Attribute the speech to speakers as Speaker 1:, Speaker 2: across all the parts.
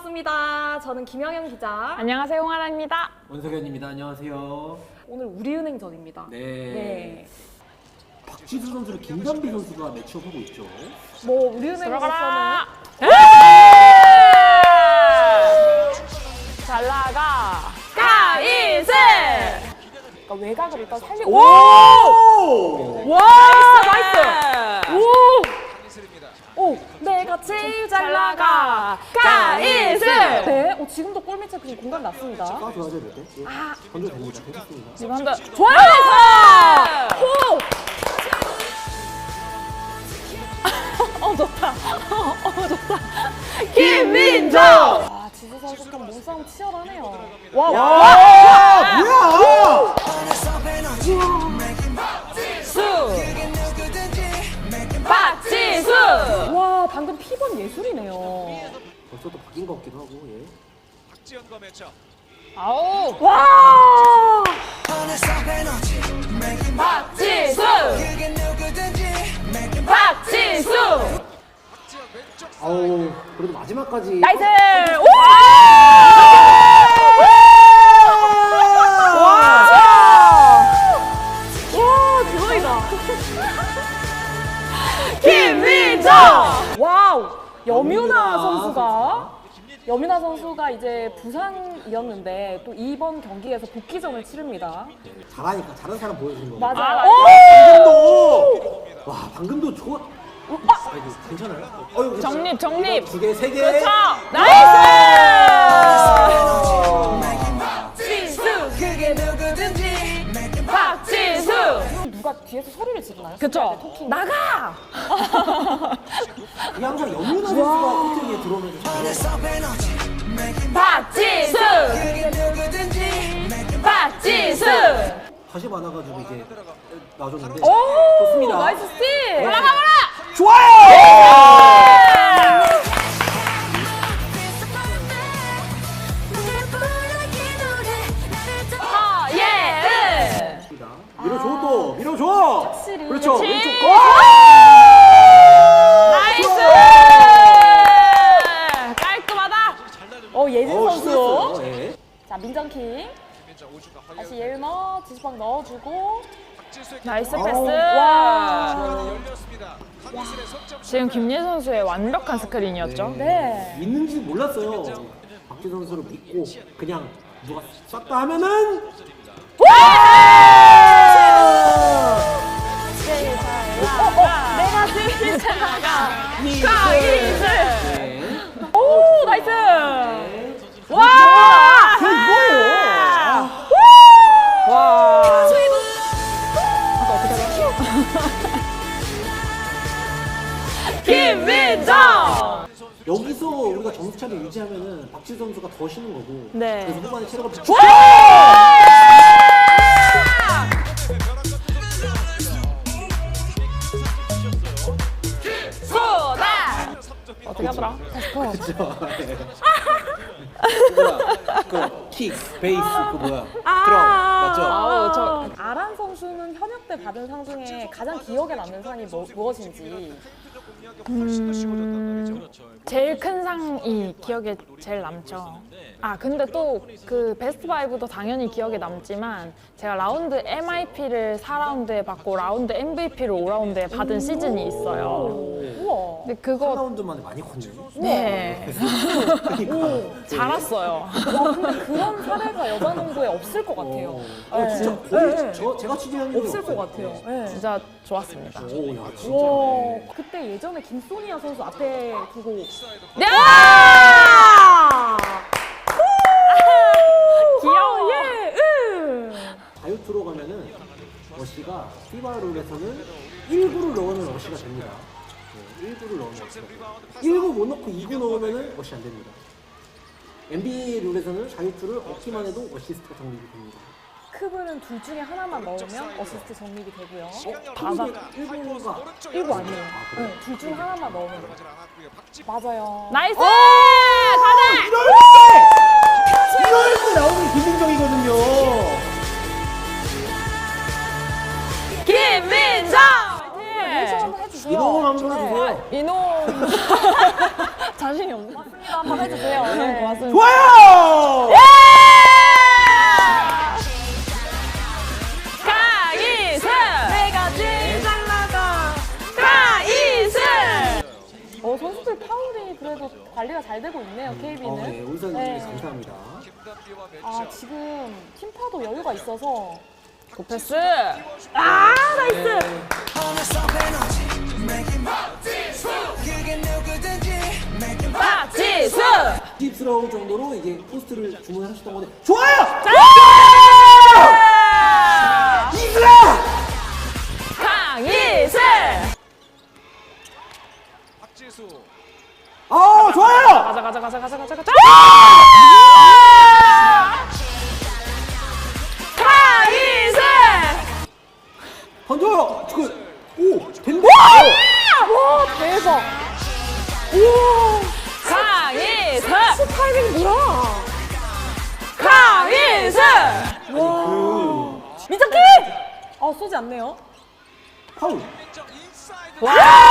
Speaker 1: 반갑습니다. 저는 김영현 기자.
Speaker 2: 안녕하세요, 홍하나입니다.
Speaker 3: 원석현입니다. 안녕하세요.
Speaker 1: 오늘 우리은행전입니다.
Speaker 3: 네. 박지수 선수를 김단비 선수가 매치업하고 있죠.
Speaker 1: 뭐 우리은행으로서는
Speaker 2: 잘 나가 가이슬.
Speaker 1: 그러니까 외곽을 일단 살리고.
Speaker 3: 오!
Speaker 1: 와, 나이스. 오, 내가 제일 잘 나가
Speaker 2: 가이슬.
Speaker 1: 네, 지금도 골 밑에 그 공간 났습니다.
Speaker 3: 쏴줘야 될 때.
Speaker 1: 아,
Speaker 3: 던져도 됩니다. 괜찮습니다.
Speaker 2: 지금 한다.
Speaker 1: 좋아요. 호. 좋다. 좋다.
Speaker 2: 김민정.
Speaker 1: 아, 지수 선수 좀 몸싸움 치열하네요. 와,
Speaker 3: 뭐야!
Speaker 2: 박지수.
Speaker 1: 와, 방금 피번 예술이네요.
Speaker 3: 벌써 또 바뀐 것 같기도 하고. 예.
Speaker 4: 박지현과 매쳐.
Speaker 2: 아우.
Speaker 1: 와!
Speaker 2: 박지수. 박지수.
Speaker 3: 아우, 그래도 마지막까지.
Speaker 1: 나이스! 오! 와, 대박이다.
Speaker 2: 김민정.
Speaker 1: 와우! 여민아 선수가 이제 부상이었는데 또 이번 경기에서 복귀전을 치릅니다.
Speaker 3: 잘하니까 잘하는 사람 보여주는 거.
Speaker 1: 맞아요.
Speaker 3: 방금도! 와, 방금도 좋아. 아이고, 괜찮아요?
Speaker 2: 정립, 정립.
Speaker 3: 두 개, 세 개.
Speaker 2: 그렇죠. 나이스. 박지수. 그게 누구든지. 박지수.
Speaker 1: 누가 뒤에서 소리를 지르나요?
Speaker 2: 그쵸.
Speaker 1: 토킹. 나가!
Speaker 3: 이게 항상 염윤아 선수가 코트 위에 들어오면서
Speaker 2: 박지수. 박지수.
Speaker 3: 다시 많아가지고 이제 놔줬는데.
Speaker 1: 오!
Speaker 3: 좋습니다.
Speaker 1: 나이스 스틸!
Speaker 3: 좋아요!
Speaker 2: 예.
Speaker 3: 밀어줘 또! 밀어줘!
Speaker 1: 확실히.
Speaker 3: 그렇죠!
Speaker 2: 그렇지.
Speaker 3: 왼쪽.
Speaker 2: 나이스. 깔끔하다.
Speaker 1: 예진 선수.
Speaker 3: 신났어요. 예.
Speaker 1: 자, 민정킹. 다시 예은어, 지수방 넣어주고.
Speaker 2: 나이스
Speaker 3: 아우.
Speaker 2: 패스.
Speaker 1: 와.
Speaker 2: 지금 김예선 선수의 완벽한 스크린이었죠.
Speaker 1: 네.
Speaker 3: 있는지 몰랐어요. 박지 선수를 믿고 그냥 누가 쐈다 하면은
Speaker 2: 내가 제일 잘 나가. 가이슬.
Speaker 3: 네.
Speaker 1: 오, 나이스!
Speaker 2: 와.
Speaker 3: 그게 뭐예요?
Speaker 2: 와. 김민정.
Speaker 3: 여기서 우리가 점수차를 유지하면은 박지 선수가 더 쉬는 거고.
Speaker 2: 네.
Speaker 3: 그래서 후반에 체력을
Speaker 2: 소다. 어떻게 하더라?
Speaker 3: 그렇죠. 네. 그 킥, 베이스 그 뭐야? 드럼 맞죠?
Speaker 2: 아우 저
Speaker 1: 아란 선수는 현역 때 받은 상 중에 가장 기억에 남는 상이 무엇인지.
Speaker 2: 제일 큰 상이 기억에 제일 남죠. 아 근데 또 그 베스트 5도 당연히 기억에 남지만 제가 라운드 MIP를 4라운드에 받고 라운드 MVP를 5라운드에 받은 시즌이 있어요.
Speaker 1: 우와.
Speaker 2: 근데 그거
Speaker 3: 3라운드만에 많이 컸네.
Speaker 2: 네
Speaker 3: 그러니까.
Speaker 2: 잘 왔어요.
Speaker 1: 와, 근데 그런 사례가 여자농구에 없을 것 같아요.
Speaker 3: 진짜 거의 제가 취재한 적이
Speaker 1: 없을 것
Speaker 3: 없어요.
Speaker 1: 같아요. 네.
Speaker 2: 진짜 좋았습니다.
Speaker 3: 오, 야, 진짜.
Speaker 1: 와, 그때 예전에 김소니아 선수 앞에 두고.
Speaker 2: 네!
Speaker 1: 귀여워. 예,
Speaker 3: 자유투로 가면은 어시가 피바 룰에서는 1구를 넣으면 어시가 됩니다. 네, 1구를 넣으면 어시가 됩니다. 1구 못 넣고 2구 넣으면 어시 안 됩니다. NBA 룰에서는 자유투를 얻기만 해도 어시스트가 정립이 됩니다.
Speaker 1: 크브는 둘 중에 하나만 넣으면 어시스트 정립이 되고요.
Speaker 2: 다다.
Speaker 3: 1구가
Speaker 1: 1구 아니에요.
Speaker 3: 그래요?
Speaker 1: 네, 둘 중 하나만 넣으면 돼요. 맞아요.
Speaker 2: 나이스! 가자!
Speaker 3: 이럴 때 나오는 김민정이거든요.
Speaker 2: 김민정!
Speaker 1: 리액션 한번 해주세요.
Speaker 3: 이놈 한번 해주세요.
Speaker 2: 이놈 자신이 없네.
Speaker 1: 맞습니다. 한번 해주세요. 네.
Speaker 2: 고맙습니다.
Speaker 3: 좋아요!
Speaker 2: 강희슬
Speaker 1: 내가 제일 잘 나가.
Speaker 2: 강희슬
Speaker 1: 선수들 파울이 그래도 관리가 잘 되고 있네요, KB는.
Speaker 3: 네, 울산
Speaker 1: 네.
Speaker 3: 감사합니다.
Speaker 4: 김단비와
Speaker 1: 아,
Speaker 4: 매치업.
Speaker 1: 지금 팀파도 여유가 있어서.
Speaker 2: 고패스
Speaker 1: 아, 나이스!
Speaker 2: 박지수
Speaker 3: 힙스러울 정도로 이제 포스트를 주문하셨던 건데 좋아요! 이슬아!
Speaker 2: 강희슬
Speaker 4: 박지수.
Speaker 3: 좋아요!
Speaker 2: 가자 강희슬
Speaker 3: 던져요! 오! 된다!
Speaker 1: 와, 대박!
Speaker 2: 강희슬
Speaker 1: 타이밍 뭐야?
Speaker 2: 강희슬
Speaker 1: 민정키! 쏘지 않네요.
Speaker 3: 파울!
Speaker 4: 민정 인사이드.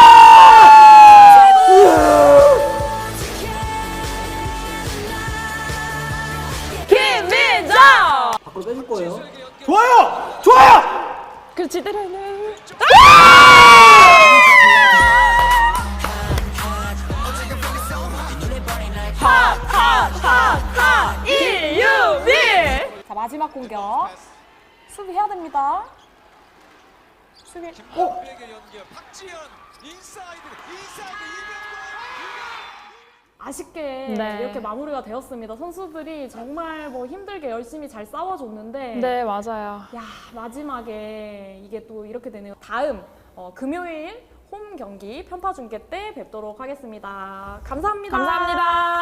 Speaker 2: 김민정
Speaker 3: 밖으로 빼줄 거예요. 좋아요! 좋아요!
Speaker 2: 그렇지 때려내 하하하하 이유미
Speaker 1: 자, 마지막 공격. 수비해야 됩니다. 수비.
Speaker 4: 김단비에게 연결. 박지현 인사이드
Speaker 1: 아쉽게
Speaker 2: 네.
Speaker 1: 이렇게 마무리가 되었습니다. 선수들이 정말 뭐 힘들게 열심히 잘 싸워줬는데.
Speaker 2: 네 맞아요
Speaker 1: 야, 마지막에 이게 또 이렇게 되네요. 다음 금요일 홈 경기 편파 중계 때 뵙도록 하겠습니다. 감사합니다.
Speaker 2: 감사합니다.